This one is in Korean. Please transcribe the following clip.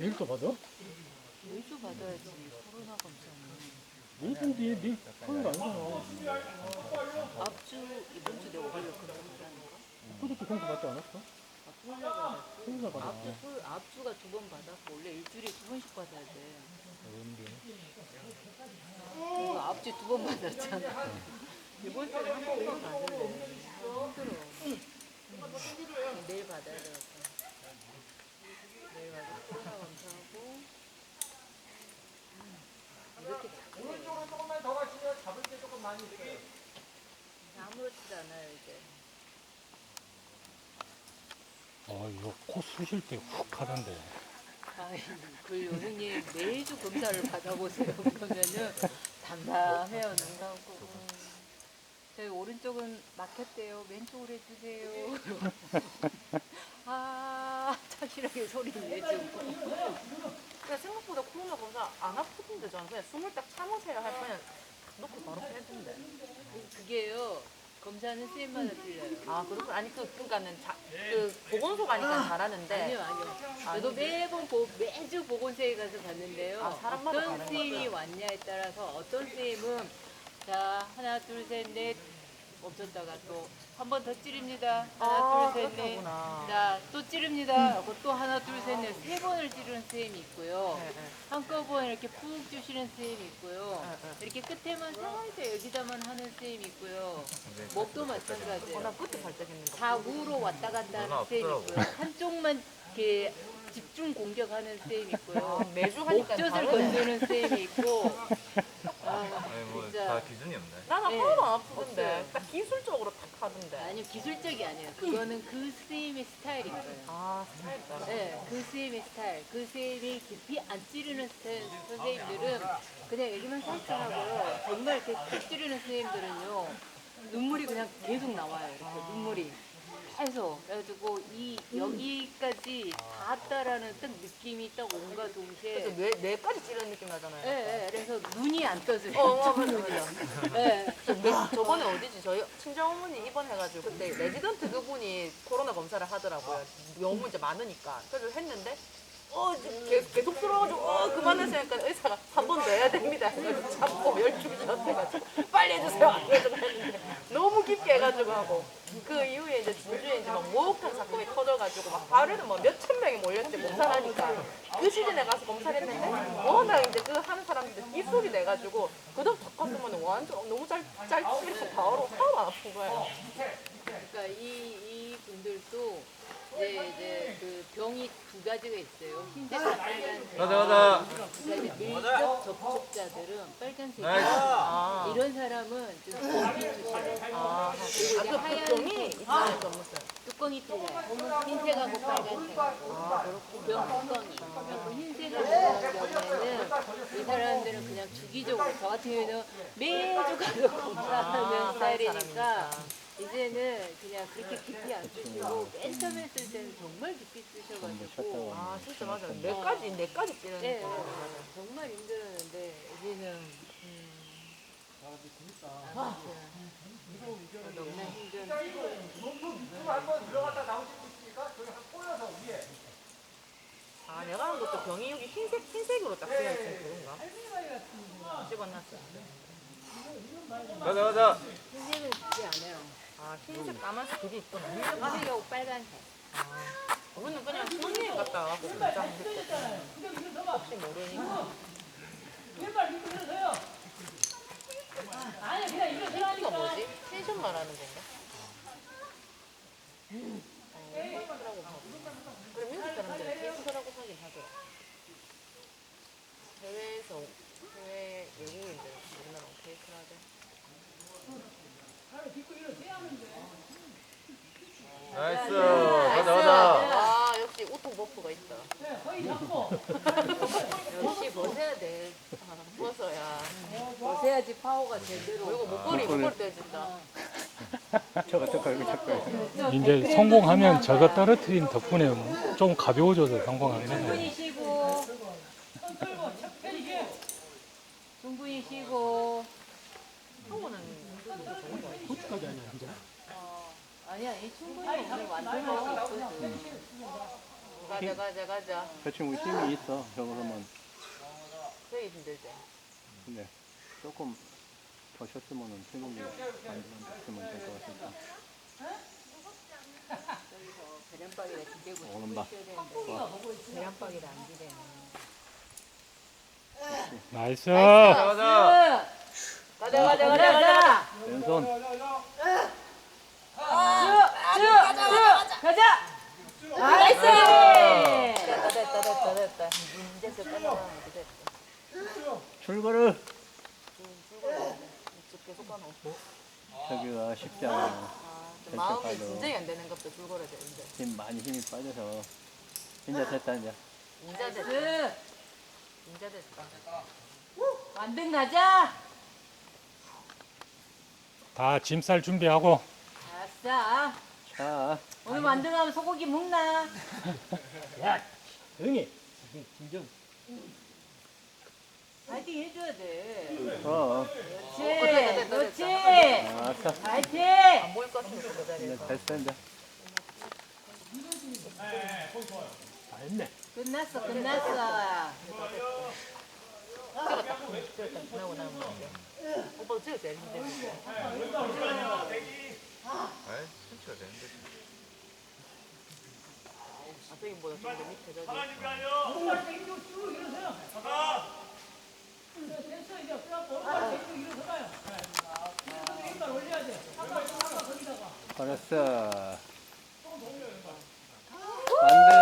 내일도 받아? 매주 받아야지. 코로나 검사는. 내일 본디 내일 하는 거 아니잖아. 앞주 이번 주 내가 오히려 그런 거라니까. 그것도 공부 받지 않았어? 토요일 날 받았고. 토요일 날 받았지. 앞주가 2번 받았고 원래 일주일에 2번씩 받아야 돼. 그래서 앞주 2번 받았잖아. 이번 주에 한 번만 받을래. 힘들어. 내일 받아야 되겠다. 내일 가서 코로나 검사하고 이렇게 자꾸 오른쪽으로 조금만 더 가시면 잡을 게 조금 많이 있어요. 아무렇지도 않아요 이제. 이거 코 쑤실 때 훅 하던데. 아이고 형님 매주 검사를 받아보세요. 그러면은 담담해요 눈 감고. 저희 오른쪽은 막혔대요. 왼쪽으로 해주세요. 착실하게 소리를 내주고. 근데 생각보다 코로나 검사 안 아프던데 저는 그냥 숨을 딱 참으세요 할 그냥 놓고 바로 해던데. 그게요. 검사는 선생님마다 틀려요. 아 그렇군. 아니 그러니까는 그 보건소 가니까 잘하는데. 아니요. 저도 매주 보건소에 가서 봤는데요. 아, 사람마다 어떤 다른 선생님이 왔냐에 따라서 어떤 선생님은 자 하나 둘 셋 넷 멈췄다가 또 한 번 더 찌릅니다. 하나 둘 셋 넷. 그렇구나. 자 또 찌릅니다. 하고 또 하나 둘 셋 넷 세 번을 찌르는 선생님이 있고요. 네, 네. 한꺼번에 이렇게 푹 주시는 선생님이 있고요. 네. 이렇게 끝에만 살짝 여기다만 하는 선생님이 있고요. 목도 마찬가지예요. 나 그때 살짝 했는 거. 좌우로 왔다 갔다 하는 선생님이 있고요. 한쪽만 이렇게 집중 공격하는 선생님이 있고요. 매주 하니까 목젖을 다르네. 건드는 선생님이 있고. 아니 뭐 진짜. 다 기준이 없네. 나는 네. 하나도 안 아프던데. 없어요. 딱 기술적으로 탁 하던데. 아니요, 기술적이 아니에요. 그거는 그 선생님의 스타일인 거예요. 아 스타일 따라. 네, 그 선생님의 스타일. 그 선생님이 깊이 안 찌르는 선생님들은 그냥 여기만 살짝 하고요. 정말 이렇게 푹 찌르는 선생님들은요. 눈물이 그냥 계속 나와요. 이렇게 눈물이. 계속. 그래가지고 여기까지 닿았다라는 딱 느낌이 딱 온과 동시에. 그래서 뇌까지 찌르는 느낌 나잖아요. 네, 그래서 눈이 안 떠져요. 맞아. 네. 저번에 어디지? 저희 친정어머니 입원해가지고 그때 레지던트 그분이 코로나 검사를 하더라고요. 너무 이제 많으니까. 그래서 했는데 이제 계속 들어가지고 그만하시니까 의사가 한 번 더 해야 됩니다. 해가지고 잡고 12시 돼가지고 빨리 해주세요. 그래서 했는데 너무 깊게 해가지고 하고 그 이후에 이제 진주에 이제 막 목욕탕 사건이 터져가지고 막 하루에도 뭐 몇천 명이 몰렸지 검사를 하니까 그 시즌에 가서 검사를 했는데 워낙 이제 그 하는 사람들 기술이 돼가지고 그다음 바꿨으면 완전 너무 잘 찌르고 바로 하나도 안 아픈 거예요. 그러니까 이 분들도 이제 그 병이 2가지가 있어요. 흰색과 빨간색. 가자. 그러니까 이제 밀접 접촉자들은 빨간색. 나이스. 이런 사람은 좀 공기 주시요 그리고 이제 그 하얀 병이 있어요, 전무슨. 뚜껑이 틀려요. 흰색하고 빨간색하고 병 뚜껑이. 그리고 흰색을 먹는 경우에는 이 사람들은 그냥 주기적으로 저 같은 경우에는 매주 가서 검사하는 스타일이니까 이제는 그냥 그렇게 깊이 안 쓰시고 맨 처음에 쓸 때는 정말 깊이 쓰셔가지고 아 진짜 맞아요. 뇌까지 찌르는 네, 거. 정말 힘들었는데 이제는 너무나 힘든 한번 들어갔다 나오실 수 있으니까 저기 한 꼬여서 위에. 아 내가 한 것도 병이 여기 흰색으로 딱 쓰여 있으면 그런가? 찍어놨어. 가자. 흰색은 깊이 안 해요. 아 흰색 까만색 그게 있구나. 흰색하고 빨간색. 우리는 그냥 손님 갔다 와갖고 검사했대. 혹시 모르니까. 이거 뭐지? 텐션 말하는 건가? 테이크라고 하고. 그래 미국 사람들은 테이크라고 하긴 하더라. 해외 외국인들 우리나라 테이크라 하대. 나이스. 가자. 아 역시 우통 버프가 있다. 역시 벗어야 돼. 벗어야. 벗어야지 파워가 제대로. 이거 목걸이 떼진다. 저거 이제 성공하면 저거 떨어뜨린 덕분에 좀 가벼워져서 성공하긴 했네. 충분히 쉬고. 충분히 쉬고. 한국은 좋은 거 아니야? 그것까지 아니야 이제. 아니야, 이 충분히 오늘 완전할 수 있거든. 가자. 저 친구 힘이 있어. 저거만. 되게 힘들지. 근데 조금 더 쉬었으면은 체력이 안 됐으면 될 것 같으니까. 계란빵이라 기대고 오른발. 계란빵이라 안 기대네. 나이스. 가자. 가자. 왼손. 가자. 나이스. 됐다. 이제 끝나면 됐다. 출발을. 계속 가노. 저기가 쉽지 않아. 마음이 빠져. 진정이 안 되는 것도 줄거려야 되는데. 힘 많이 힘이 빠져서. 이제 됐다 이제. 인자 됐다. 완등 가자. 다 짐 쌀 준비하고. 아싸. 자. 오늘 완등하면 소고기 먹나? 조용히. 진정. 파이팅 해줘야 돼. 됐다. 그렇지. 아싸. 파이팅. 안 보일 것 같으면 그 자리에. 이제 됐어 이제. 다 했네. 끝났어. 찍었다. 나오고 나면 이제. 오빠도 찍었어야 힘들지. 아이, 천천히 되는데. 아, 저기보다 좀 더 밑에 저기. 잘했어. 반대.